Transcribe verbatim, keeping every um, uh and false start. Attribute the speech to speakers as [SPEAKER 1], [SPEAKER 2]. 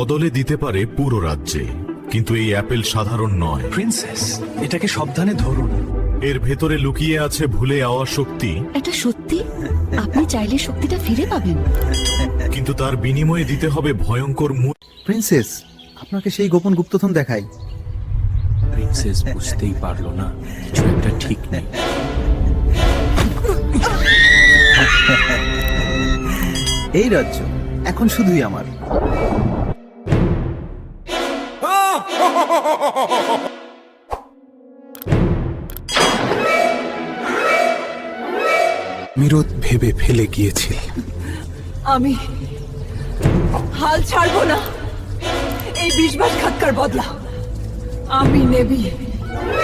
[SPEAKER 1] বদলে দিতে পারে পুরো রাজ্যে, কিন্তু এই অ্যাপেল সাধারণ নয়।
[SPEAKER 2] প্রিন্সেস, এটাকে সাবধানে ধরুন।
[SPEAKER 1] এর ভেতরে লুকিয়ে আছে ভুলে যাওয়া শক্তি,
[SPEAKER 3] এটা সত্যি? আপনি চাইলে শক্তিটা ফিরে পাবেন,
[SPEAKER 1] কিন্তু তার বিনিময়ে দিতে হবে ভয়ঙ্কর মূল্য।
[SPEAKER 4] প্রিন্সেস, আপনাকে সেই গোপন গুপ্তধন দেখাই।
[SPEAKER 2] প্রিন্সেস বুঝতেই পারলো না কিছু একটা ঠিক নেই।
[SPEAKER 4] এই রাজ্য এখন শুধুই আমার।
[SPEAKER 5] মিরত ভেবে ফেলে গিয়েছিল।
[SPEAKER 6] আমি হাল ছাড়বো না এই বিশ্বাসঘাতকার বদলা। আমি নেবি